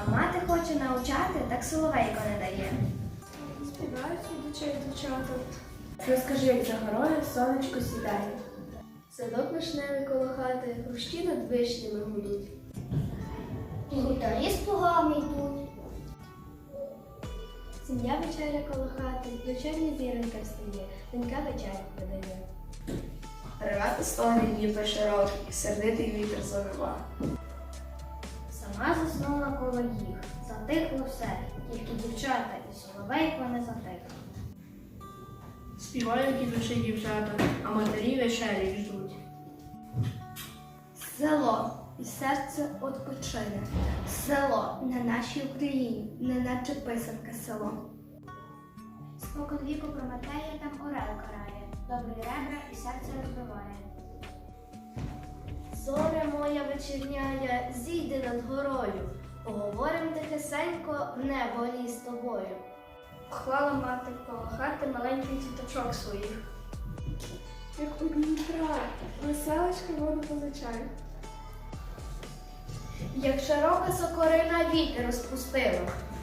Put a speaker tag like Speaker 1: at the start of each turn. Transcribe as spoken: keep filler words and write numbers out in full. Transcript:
Speaker 1: А мати хоче навчати, так соловейко не дає.
Speaker 2: Співають дочей дівчата.
Speaker 3: Розкажи, як за горою сонечко сідає.
Speaker 2: Садок вишневий коло хати, хрущі над вишнями гудуть.
Speaker 1: Гутарі з плугами йдуть.
Speaker 2: Сім'я вечеря коло хати, вечерня зіронька встає, донька вечерю подає.
Speaker 3: Ревати стони ніби широкий, сердитий вітер завива.
Speaker 1: Сама заснула коло їх, затихло все, тільки дівчата і соловейко не затихло.
Speaker 3: Співають ідучі дівчата, а матері вечері ждуть.
Speaker 1: Село, і серце odpoczyне. Село на нашій Україні, неначе писанка село. Спокон віку Прометея там орел карає, добрі ребра і серце розбиває.
Speaker 2: Зоря моя вечірняя, зійди над горою, поговорим тихесенько в небо лі з тобою.
Speaker 1: Клала мати коло хати маленький діточок своїх.
Speaker 2: Як у Дніпра, веселочка воду позичає.
Speaker 1: Як широка сокорина вітер розпустила,